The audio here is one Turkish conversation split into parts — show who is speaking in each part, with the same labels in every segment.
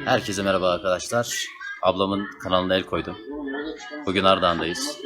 Speaker 1: Herkese merhaba arkadaşlar. Ablamın kanalına el koydum. Bugün Ardahan'dayız.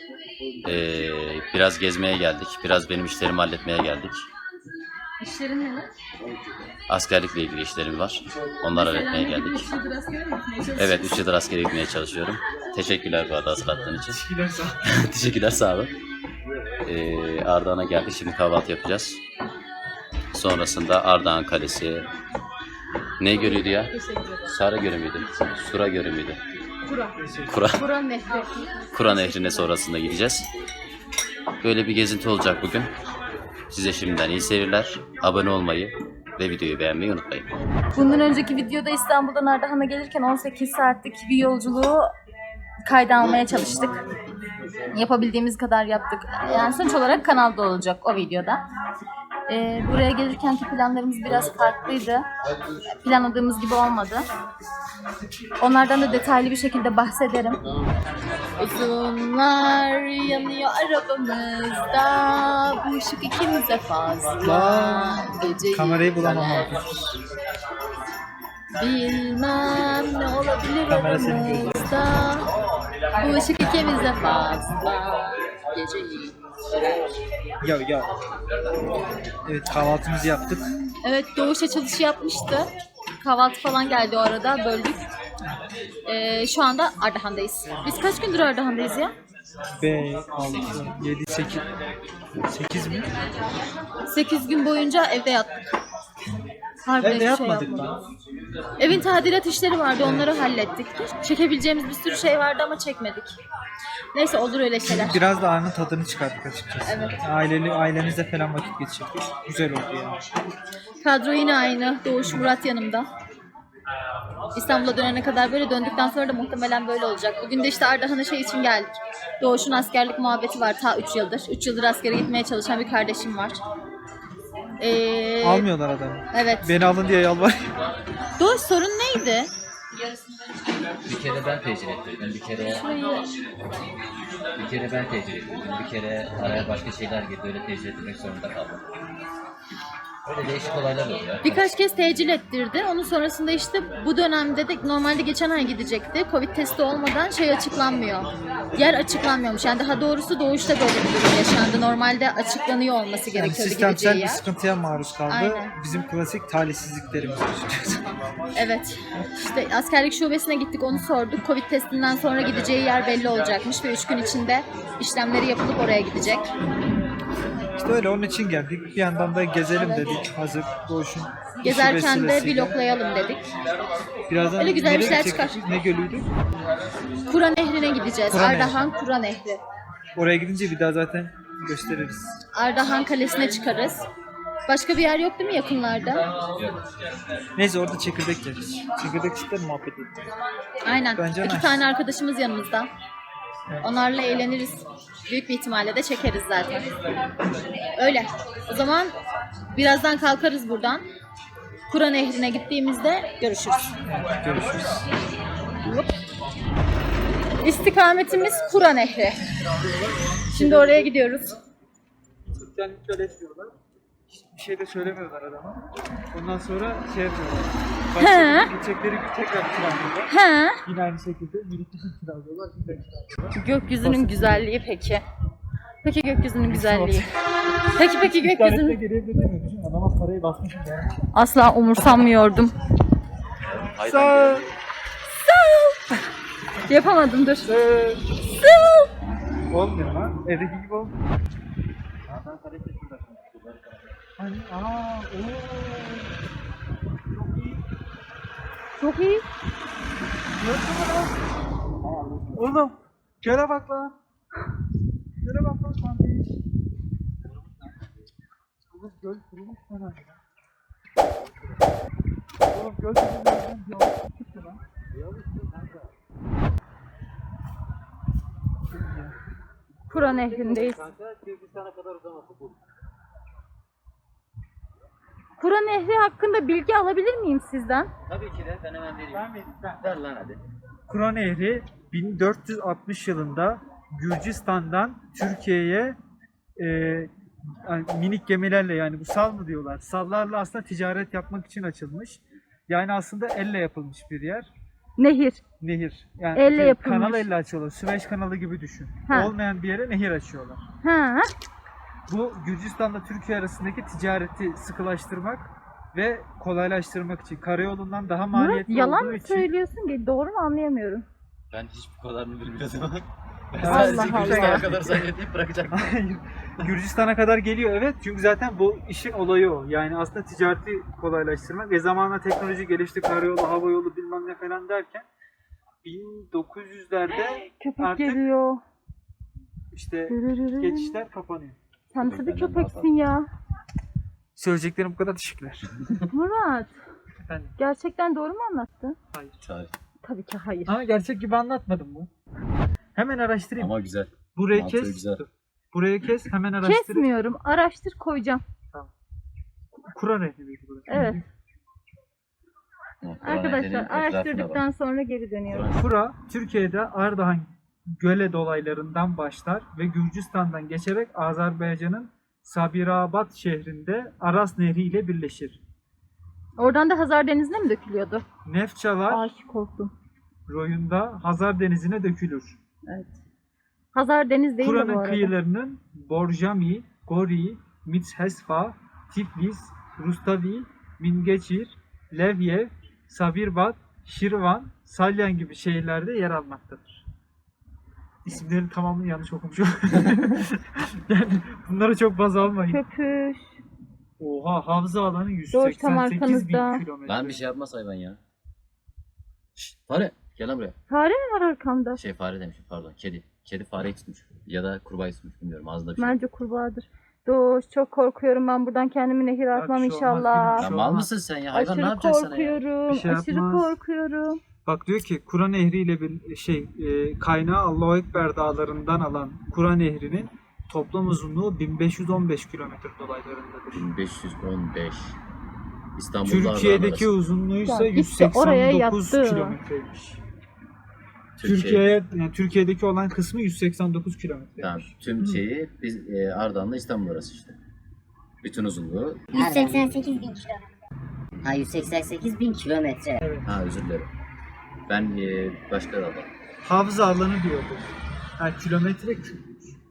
Speaker 1: Biraz gezmeye geldik. Biraz benim işlerimi halletmeye geldik.
Speaker 2: İşlerin ne?
Speaker 1: Askerlikle ilgili işlerim var. Onları halletmeye geldik. Evet, 3 yıldır askere gitmeye çalışıyorum. Teşekkürler bu arada hatırlattığın için. Teşekkürler, sağ olun. Ardahan'a geldik. Şimdi kahvaltı yapacağız. Sonrasında Ardahan Kalesi. Ne görüyordu ya? Sara Gölü müydü? Sura Gölü müydü?
Speaker 2: Kura Nehri.
Speaker 1: Kura Nehri'ne sonrasında gideceğiz. Böyle bir gezinti olacak bugün. Size şimdiden iyi seyirler. Abone olmayı ve videoyu beğenmeyi unutmayın.
Speaker 2: Bundan önceki videoda İstanbul'dan Ardahan'a gelirken 18 saatlik bir yolculuğu kayda almaya çalıştık. Yapabildiğimiz kadar yaptık. Yani sonuç olarak kanalda olacak o videoda. Buraya gelirkenki planlarımız biraz farklıydı. Planladığımız gibi olmadı. Onlardan da detaylı bir şekilde bahsederim. Uzunlar yanıyor arabamızda, bu ışık ikimize fazla. Geceyi
Speaker 3: Kamerayı bulamam abi.
Speaker 2: bilmem ne olabilir
Speaker 3: Kamera senin
Speaker 2: aramızda. Bu ışık ikimize fazla. Geceyi.
Speaker 3: Ya. Evet, kahvaltımızı yaptık.
Speaker 2: Evet, Doğuş açılışı yapmıştı. Kahvaltı falan geldi o arada, böldük. Şu anda Ardahan'dayız. Biz kaç gündür Ardahan'dayız ya?
Speaker 3: 5, 6, 7, 8 mi?
Speaker 2: 8 gün boyunca evde yattık. Harbiden
Speaker 3: Evde
Speaker 2: hiçbir şey
Speaker 3: yapmadık
Speaker 2: yapmadık.
Speaker 3: lan.
Speaker 2: Evin tadilat işleri vardı, onları hallettik. Çekebileceğimiz bir sürü şey vardı ama çekmedik. Neyse, olur öyle şeyler.
Speaker 3: Biraz da anın tadını çıkarttık açıkçası.
Speaker 2: Evet.
Speaker 3: Ailemizle falan vakit geçirdik. Güzel oldu yani.
Speaker 2: Kadro yine aynı. Doğuş, Murat yanımda. İstanbul'a dönene kadar böyle, döndükten sonra da muhtemelen böyle olacak. Bugün de işte Ardahan'a şey için geldik. Doğuş'un askerlik muhabbeti var ta 3 yıldır. 3 yıldır askere gitmeye çalışan bir kardeşim var.
Speaker 3: Almıyorlar adamı.
Speaker 2: Evet.
Speaker 3: Beni alın diye yalvarıyor.
Speaker 2: Doğuş, sorun neydi?
Speaker 1: Bir kere ben tecil ettirdim. Bir kere ben tecil ettirdim. Bir kere araya başka şeyler girdi. Öyle tecil ettirmek zorunda kaldım. Öyle değişik olaylar oluyor.
Speaker 2: Birkaç kez tecil ettirdi. Onun sonrasında işte bu dönemde de normalde geçen ay gidecekti. Covid testi olmadan şey açıklanmıyor. Yer açıklanmıyormuş. Yani daha doğrusu Doğuş'ta böyle bir durum yaşandı. Normalde açıklanıyor olması
Speaker 3: Yani
Speaker 2: gerekiyordu
Speaker 3: sistemsel
Speaker 2: gideceği
Speaker 3: bir
Speaker 2: yer.
Speaker 3: sıkıntıya maruz kaldı.
Speaker 2: Aynen.
Speaker 3: Bizim klasik talihsizliklerimiz.
Speaker 2: Evet. İşte askerlik şubesine gittik, onu sorduk. Covid testinden sonra gideceği yer belli olacakmış ve 3 gün içinde işlemleri yapılıp oraya gidecek.
Speaker 3: İşte öyle, onun için geldik. Bir yandan da gezelim
Speaker 2: Evet.
Speaker 3: dedik. Hazır Doğuş'un işi
Speaker 2: Gezerken de
Speaker 3: vesilesiyle.
Speaker 2: vloglayalım dedik.
Speaker 3: Birazdan
Speaker 2: Öyle güzel
Speaker 3: nereye
Speaker 2: işler
Speaker 3: gidecektik?
Speaker 2: çıkar.
Speaker 3: Ne gölüydü?
Speaker 2: Kura Nehri'ne gideceğiz.
Speaker 3: Kura Nehri.
Speaker 2: Ardahan Kura Nehri.
Speaker 3: Oraya gidince bir daha zaten gösteririz.
Speaker 2: Ardahan Kalesi'ne çıkarız. Başka bir yer yok değil mi yakınlarda?
Speaker 3: Neyse, orada çekirdek yeriz. Çekirdek ister muhabbet edelim.
Speaker 2: Aynen.
Speaker 3: Bence
Speaker 2: 2
Speaker 3: nice.
Speaker 2: tane arkadaşımız yanımızda. Onlarla eğleniriz. Büyük bir ihtimalle de çekeriz zaten. Öyle. O zaman birazdan kalkarız buradan. Kura Nehri'ne gittiğimizde görüşürüz.
Speaker 3: Görüşürüz.
Speaker 2: İstikametimiz Kura Nehri. Şimdi oraya gidiyoruz.
Speaker 3: Yani şöyle etmiyorlar. Bir şey de söylemiyorlar adama. Ondan sonra şey yapıyorlar.
Speaker 2: He.
Speaker 3: Başka gidecekleri gün tekrar kiralıyorlar.
Speaker 2: Ha?
Speaker 3: Yine aynı şekilde birlikte kiralıyorlar. Yine kiralıyorlar.
Speaker 2: Gökyüzünün güzelliği peki. Peki gökyüzünün güzelliği. Peki
Speaker 3: İnternette
Speaker 2: gökyüzünün...
Speaker 3: geriye dönemiyor. Düşün, adama parayı basmışım yani.
Speaker 2: Asla umursamıyordum.
Speaker 3: Sağ
Speaker 2: Yapamadım, dur.
Speaker 3: Olmuyor lan. Evdeki gibi olmuyor. Hani
Speaker 2: Çok iyi.
Speaker 3: Oğlum göle bak lan. Göle bak lan sen de. Oğlum göl kurumuş lan. Oğlum göl kurumuş bir alıp çıktı lan.
Speaker 2: Kura Nehri'ndeyiz. Kura Nehri hakkında bilgi alabilir miyim sizden?
Speaker 1: Tabii ki de, ben hemen vereyim. Ver lan hadi.
Speaker 3: Kura Nehri 1460 yılında Gürcistan'dan Türkiye'ye yani minik gemilerle, yani bu sal mı diyorlar, sallarla aslında ticaret yapmak için açılmış. Yani aslında elle yapılmış bir yer.
Speaker 2: Nehir.
Speaker 3: Nehir. Yani
Speaker 2: Elle yapılmış.
Speaker 3: kanal elle açıyorlar. Süveyş kanalı gibi düşün.
Speaker 2: Ha.
Speaker 3: Olmayan bir yere nehir açıyorlar.
Speaker 2: Ha.
Speaker 3: Bu Gürcistan'la Türkiye arasındaki ticareti sıkılaştırmak ve kolaylaştırmak için. Karayolundan daha
Speaker 2: Murat
Speaker 3: maliyetli
Speaker 2: yalan
Speaker 3: olduğu
Speaker 2: mı
Speaker 3: için.
Speaker 2: söylüyorsun ki? Doğru mu anlayamıyorum.
Speaker 1: Ben hiç bu kadarını bilmiyordum. Ben
Speaker 2: Allah
Speaker 1: sadece
Speaker 2: Allah.
Speaker 1: Gürcistan'a kadar zannedip bırakacaktım.
Speaker 3: Hayır. Gürcistan'a kadar geliyor evet. Çünkü zaten bu işin olayı o. Yani aslında ticareti kolaylaştırmak ve zamanla teknoloji gelişti. Karayolu, hava yolu bilmem ne falan derken 1900'lerde
Speaker 2: Köpek
Speaker 3: artık
Speaker 2: geliyor.
Speaker 3: işte geçişler kapanıyor.
Speaker 2: Sen tabii köpeksin ya.
Speaker 3: Söyleyeceklerim bu kadar, teşekkürler.
Speaker 2: Murat.
Speaker 3: Efendim?
Speaker 2: Gerçekten doğru mu anlattın?
Speaker 3: Hayır.
Speaker 1: Hayır.
Speaker 2: Tabii ki hayır.
Speaker 3: Ama gerçek gibi anlatmadım bu. Hemen araştırayım.
Speaker 1: Ama güzel.
Speaker 3: Burayı
Speaker 1: mantığı
Speaker 3: kes.
Speaker 1: güzel.
Speaker 3: Dur. Burayı kes, hemen araştırayım.
Speaker 2: Kesmiyorum. Araştır koyacağım.
Speaker 3: Kur'an ehli miydi burası?
Speaker 2: Evet.
Speaker 1: Kur'an
Speaker 2: Arkadaşlar
Speaker 1: ehlinin etrafına
Speaker 2: araştırdıktan
Speaker 1: bak.
Speaker 2: sonra geri dönüyorum.
Speaker 3: Kura, Türkiye'de Ardahan göle dolaylarından başlar ve Gürcistan'dan geçerek Azerbaycan'ın Sabirabad şehrinde Aras Nehri ile birleşir.
Speaker 2: Oradan da Hazar Denizi'ne mi dökülüyordu?
Speaker 3: Nefçalar
Speaker 2: Ay korktum.
Speaker 3: royunda Hazar Denizi'ne dökülür.
Speaker 2: Evet. Hazar Deniz değil mi bu
Speaker 3: Kura'nın
Speaker 2: arada?
Speaker 3: kıyılarının Borjami, Gori, Mitshesfa, Tiflis, Rustavi, Mingeçir, Levyev, Sabirbad, Şirvan, Salyan gibi şehirlerde yer almaktadır. İsimlerin tamamını yanlış okumuşum. Yani bunları çok baz almayın.
Speaker 2: Köpüş.
Speaker 3: Oha, havza alanı
Speaker 2: Doğuş tam
Speaker 3: 188 bin
Speaker 2: arkanızda.
Speaker 3: kilometre.
Speaker 1: Lan bir şey yapmaz hayvan ya. Şşt, fare gel lan buraya.
Speaker 2: Fare mi var arkamda?
Speaker 1: Fare demişim pardon. Kedi. Kedi fareyi tutmuş. Ya da kurbağayı tutmuş bilmiyorum. Ağzında bir şey.
Speaker 2: Bence kurbağadır. Doğuş çok korkuyorum ben buradan kendimi nehire
Speaker 3: Bak,
Speaker 2: atmam
Speaker 3: bir şey olmaz,
Speaker 2: inşallah.
Speaker 3: bir
Speaker 1: Ya mal mısın sen ya? Hayvan ne
Speaker 2: Aşırı
Speaker 1: yapacak sana ya?
Speaker 2: korkuyorum.
Speaker 3: Bir şey
Speaker 2: aşırı
Speaker 3: yapmaz.
Speaker 2: korkuyorum.
Speaker 3: Bak diyor ki Kura Nehri ile bir kaynağı Allahu Ekber dağlarından alan Kura Nehri'nin toplam uzunluğu 1515 kilometre dolaylarındadır.
Speaker 1: 1515. İstanbul'da
Speaker 3: Türkiye'deki uzunluğu ise
Speaker 2: Ya gitti, oraya
Speaker 3: 189
Speaker 2: yattı.
Speaker 3: kilometreymiş. Türkiye'deki olan kısmı 189 kilometre.
Speaker 1: Tamam. Tüm şeyi biz Ardahan'la İstanbul arası işte. Bütün uzunluğu.
Speaker 4: 188 bin kilometre. Ha 188 bin kilometre.
Speaker 1: Ha özür dilerim. Ben başka da adam.
Speaker 3: Havza alanı diyordu. Ha kilometre küp.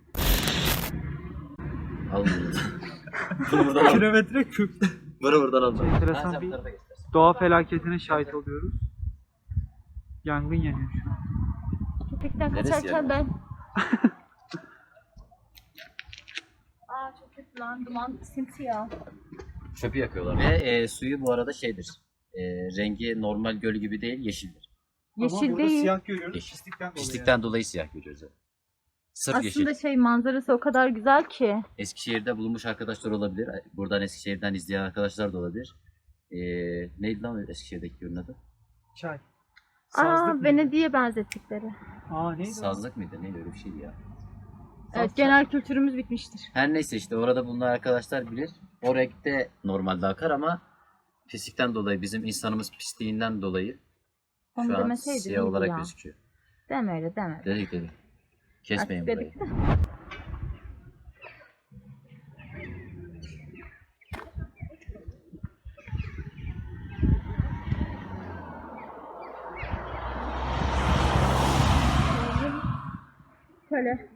Speaker 1: Al bunu. Bunu buradan al.
Speaker 3: Kilometre küp.
Speaker 1: Bunu buradan al.
Speaker 3: Enteresan bir doğa felaketine şahit oluyoruz. Yangın yanıyor şu an.
Speaker 2: Köpekten
Speaker 1: Neresi
Speaker 2: kaçarken
Speaker 1: yani?
Speaker 2: ben. Aa çok kötü lan duman simsiyah.
Speaker 1: Çöpü yakıyorlar. Ve suyu bu arada şeydir. Rengi normal göl gibi değil, yeşildir.
Speaker 3: Ama
Speaker 2: Yeşil
Speaker 3: burada
Speaker 2: değil.
Speaker 3: siyah görüyoruz.
Speaker 1: Yeşil.
Speaker 3: Pislikten dolayı.
Speaker 1: Pislikten dolayı siyah görüyoruz. Evet. Sırf
Speaker 2: Aslında
Speaker 1: yeşil.
Speaker 2: şey manzarası o kadar güzel ki.
Speaker 1: Eskişehir'de bulunmuş arkadaşlar olabilir. Buradan Eskişehir'den izleyen arkadaşlar da olabilir. Neydi lan Eskişehir'deki gölün adı?
Speaker 3: Çay.
Speaker 2: Aa
Speaker 3: mıydı?
Speaker 2: Venedik'e benzettikleri.
Speaker 3: Aa neydi? o?
Speaker 1: Sazlık mıydı? Neydi öyle bir şeydi ya.
Speaker 2: Evet genel kültürümüz bitmiştir.
Speaker 1: Her neyse işte orada bulunan arkadaşlar bilir. O renkte normalde akar ama pislikten dolayı bizim insanımız pisliğinden dolayı
Speaker 2: Onu
Speaker 1: şu an
Speaker 2: demeseydin
Speaker 1: siyah
Speaker 2: iyiydi
Speaker 1: olarak
Speaker 2: ya.
Speaker 1: gözüküyor.
Speaker 2: Deme öyle deme.
Speaker 1: Dedik. Kesmeyin
Speaker 2: Artık
Speaker 1: burayı.
Speaker 2: dedik de. Şöyle.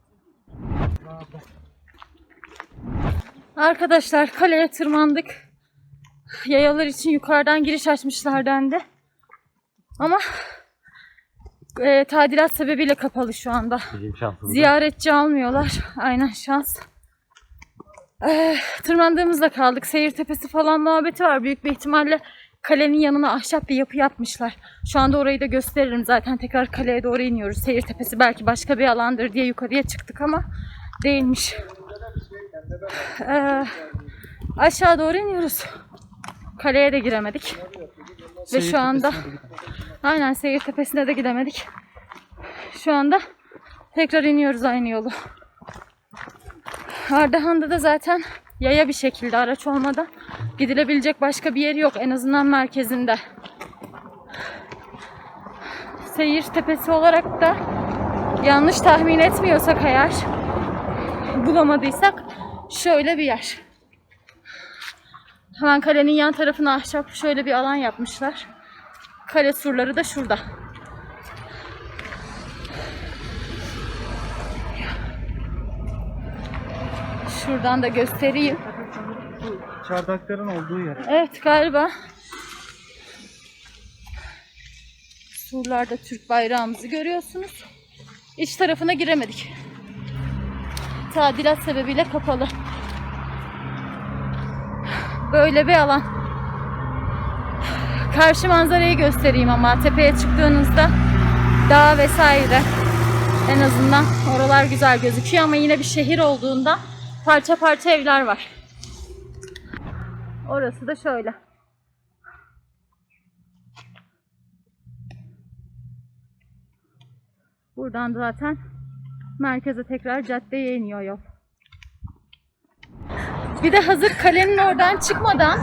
Speaker 2: Arkadaşlar kaleye tırmandık. Yayalar için yukarıdan giriş açmışlar dendi. Ama tadilat sebebiyle kapalı şu anda. Ziyaretçi almıyorlar. Aynen şans. Tırmandığımızda kaldık. Seyir tepesi falan muhabbeti var. Büyük bir ihtimalle kalenin yanına ahşap bir yapı yapmışlar. Şu anda orayı da gösteririm. Zaten tekrar kaleye doğru iniyoruz. Seyir tepesi belki başka bir alandır diye yukarıya çıktık ama değilmiş. Aşağı doğru iniyoruz. Kaleye de giremedik. Ve şu anda aynen seyir tepesine de gidemedik. Şu anda tekrar iniyoruz aynı yolu. Ardahan'da da zaten yaya bir şekilde araç olmadan gidilebilecek başka bir yer yok. En azından merkezinde. Seyir tepesi olarak da yanlış tahmin etmiyorsak eğer bulamadıysak şöyle bir yer. Hemen kalenin yan tarafına ahşap şöyle bir alan yapmışlar. Kale surları da şurada. Şuradan da göstereyim.
Speaker 3: Bu çardakların olduğu yer.
Speaker 2: Evet galiba. Surlarda Türk bayrağımızı görüyorsunuz. İç tarafına giremedik. Tadilat sebebiyle kapalı. Böyle bir alan. Karşı manzarayı göstereyim ama tepeye çıktığınızda dağ vesaire en azından oralar güzel gözüküyor ama yine bir şehir olduğunda parça parça evler var. Orası da şöyle. Buradan zaten merkeze tekrar caddeye iniyor yol. Bir de hazır kalenin oradan çıkmadan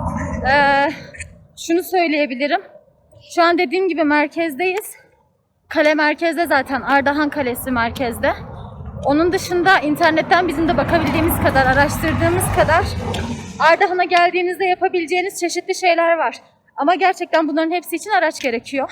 Speaker 2: şunu söyleyebilirim. Şu an dediğim gibi merkezdeyiz. Kale merkezde zaten. Ardahan Kalesi merkezde. Onun dışında internetten bizim de bakabildiğimiz kadar, araştırdığımız kadar Ardahan'a geldiğinizde yapabileceğiniz çeşitli şeyler var. Ama gerçekten bunların hepsi için araç gerekiyor.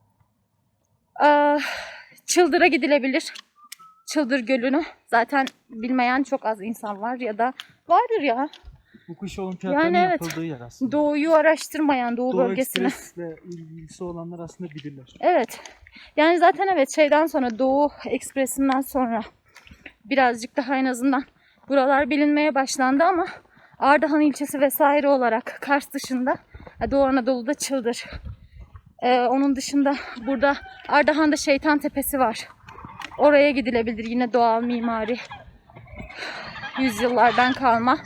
Speaker 2: Çıldır'a gidilebilir. Çıldır Gölü'nü zaten bilmeyen çok az insan var ya da vardır ya.
Speaker 3: Bu kış olimpiyatlarının
Speaker 2: Yani evet.
Speaker 3: yapıldığı yer aslında.
Speaker 2: Doğu'yu araştırmayan, Doğu bölgesini.
Speaker 3: Ekspres'le ilgisi olanlar aslında bilirler.
Speaker 2: Evet. Yani zaten evet şeyden sonra Doğu Ekspresi'nden sonra birazcık daha en azından buralar bilinmeye başlandı ama Ardahan ilçesi vesaire olarak Kars dışında Doğu Anadolu'da Çıldır. Onun dışında burada Ardahan'da Şeytan Tepesi var. Oraya gidilebilir. Yine doğal mimari. Yüzyıllardan kalma.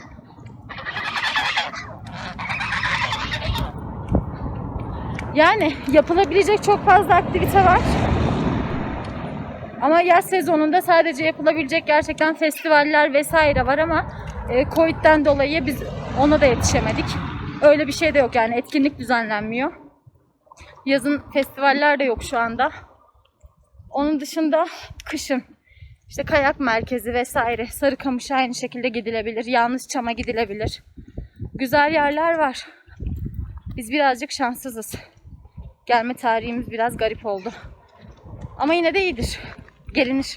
Speaker 2: Yani yapılabilecek çok fazla aktivite var. Ama yaz sezonunda sadece yapılabilecek gerçekten festivaller vesaire var ama Covid'den dolayı biz ona da yetişemedik. Öyle bir şey de yok yani etkinlik düzenlenmiyor. Yazın festivaller de yok şu anda. Onun dışında kışın işte kayak merkezi vesaire Sarıkamış'a aynı şekilde gidilebilir. Yanlışçam'a gidilebilir. Güzel yerler var. Biz birazcık şanssızız. Gelme tarihimiz biraz garip oldu. Ama yine de iyidir. Gelinir.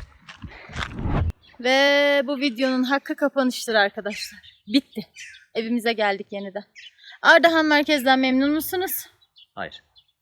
Speaker 2: Ve bu videonun hakkı kapanıştır arkadaşlar. Bitti. Evimize geldik yeniden. Ardahan merkezden memnun musunuz?
Speaker 1: Hayır.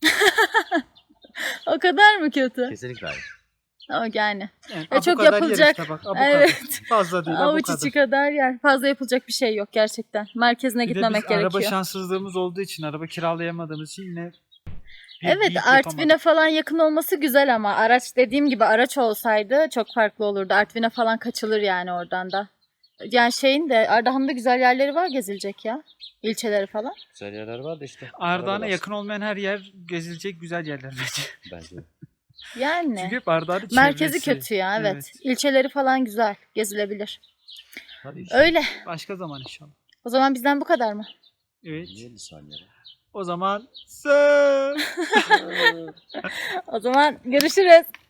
Speaker 2: O kadar mı kötü?
Speaker 1: Kesinlikle hayır.
Speaker 2: O yani.
Speaker 3: Yani
Speaker 2: çok
Speaker 3: bu kadar
Speaker 2: yapılacak.
Speaker 3: yer işte bak, bu
Speaker 2: Evet.
Speaker 3: kadar. Fazla değil, bu
Speaker 2: Avuç
Speaker 3: kadar.
Speaker 2: içi kadar yer. Fazla yapılacak bir şey yok gerçekten. Merkezine
Speaker 3: Bir de
Speaker 2: gitmemek
Speaker 3: biz
Speaker 2: gerekiyor.
Speaker 3: araba şanssızlığımız olduğu için, araba kiralayamadığımız için yine
Speaker 2: Evet,
Speaker 3: büyük
Speaker 2: Artvin'e
Speaker 3: yapamadık.
Speaker 2: falan yakın olması güzel ama araç dediğim gibi araç olsaydı çok farklı olurdu. Artvin'e falan kaçılır yani oradan da. Yani şeyin de Ardahan'da güzel yerleri var gezilecek ya. İlçeleri falan.
Speaker 1: Güzel yerler var da işte.
Speaker 3: Ardahan'a yakın olmayan her yer gezilecek güzel yerler bence.
Speaker 1: Bence.
Speaker 2: Yani.
Speaker 3: Çünkü hep Ardahan'ın
Speaker 2: Merkezi
Speaker 3: çevresi.
Speaker 2: kötü ya evet. İlçeleri falan güzel gezilebilir.
Speaker 1: Hadi işte.
Speaker 2: Öyle.
Speaker 3: Başka zaman inşallah.
Speaker 2: O zaman bizden bu kadar mı?
Speaker 3: Evet.
Speaker 1: 50 saniye.
Speaker 3: O zaman
Speaker 2: O zaman görüşürüz.